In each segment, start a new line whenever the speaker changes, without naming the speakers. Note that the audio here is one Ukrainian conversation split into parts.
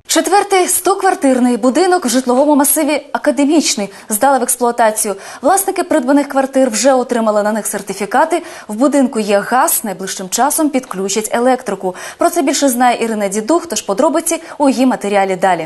Четвертий 100-квартирний будинок в житловому масиві «Академічний» здали в експлуатацію. Власники придбаних квартир вже отримали на них сертифікати. В будинку є газ, найближчим часом підключать електрику. Про це більше знає Ірина Дідух, тож подробиці у її матеріалі далі.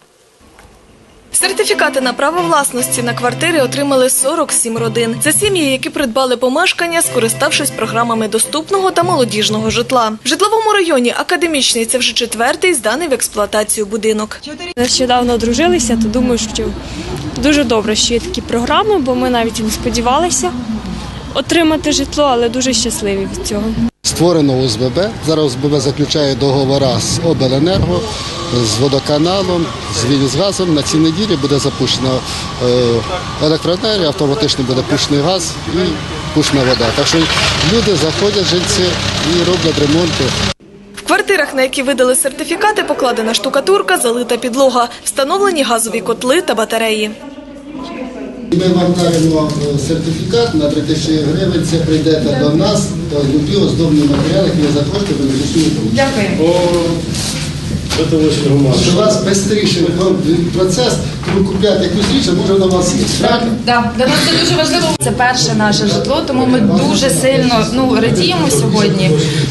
Сертифікати на право власності на квартири отримали 47 родин. Це сім'ї, які придбали помешкання, скориставшись програмами доступного та молодіжного житла. В житловому районі «Академічний» – це вже четвертий зданий в експлуатацію будинок.
Нещодавно одружилися, то думаю, що дуже добре, що є такі програми, бо ми навіть і не сподівалися отримати житло, але дуже щасливі від цього.
Створено ОСББ. Зараз ОСББ заключає договори з обленерго, з водоканалом, з Вільнюсгазом. На цій неділі буде запущена електроенергія, автоматично буде пущений газ і пущена вода. Так що люди заходять, жильці, і роблять ремонти.
В квартирах, на які видали сертифікати, покладена штукатурка, залита підлога, встановлені газові котли та батареї.
Ми вам даємо сертифікат на 3000 гривень, це прийдете до нас, любі оздобні матеріали, які ви захочете, ви не.
Дякую.
Щоб у вас швидший процес, ви купляєте якусь річ, а може на вас є.
Так, для нас це дуже важливо. Це перше наше житло, тому ми дуже сильно радіємо сьогодні.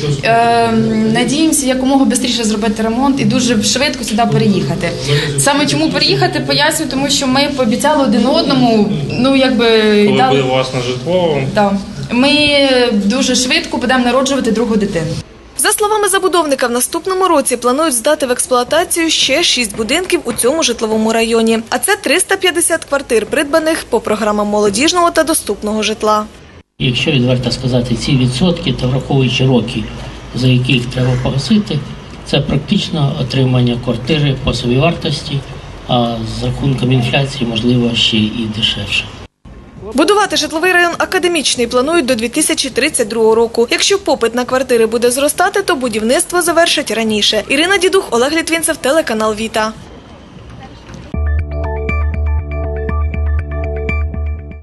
Надіємося якомога швидше зробити ремонт і дуже швидко сюди переїхати. Саме чому переїхати, поясню, тому що ми пообіцяли один одному,
коли буде власне житло.
Так, ми дуже швидко будемо народжувати другу дитину.
За словами забудовника, в наступному році планують здати в експлуатацію ще 6 будинків у цьому житловому районі. А це 350 квартир, придбаних по програмам молодіжного та доступного житла.
Якщо відверто сказати, ці відсотки, то враховуючи роки, за яких треба погасити, це практично отримання квартири по собівартості, а з рахунком інфляції, можливо, ще і дешевше.
Будувати житловий район «Академічний» планують до 2032 року. Якщо попит на квартири буде зростати, то будівництво завершать раніше. Ірина Дідух, Олег Літвінцев, телеканал «Віта».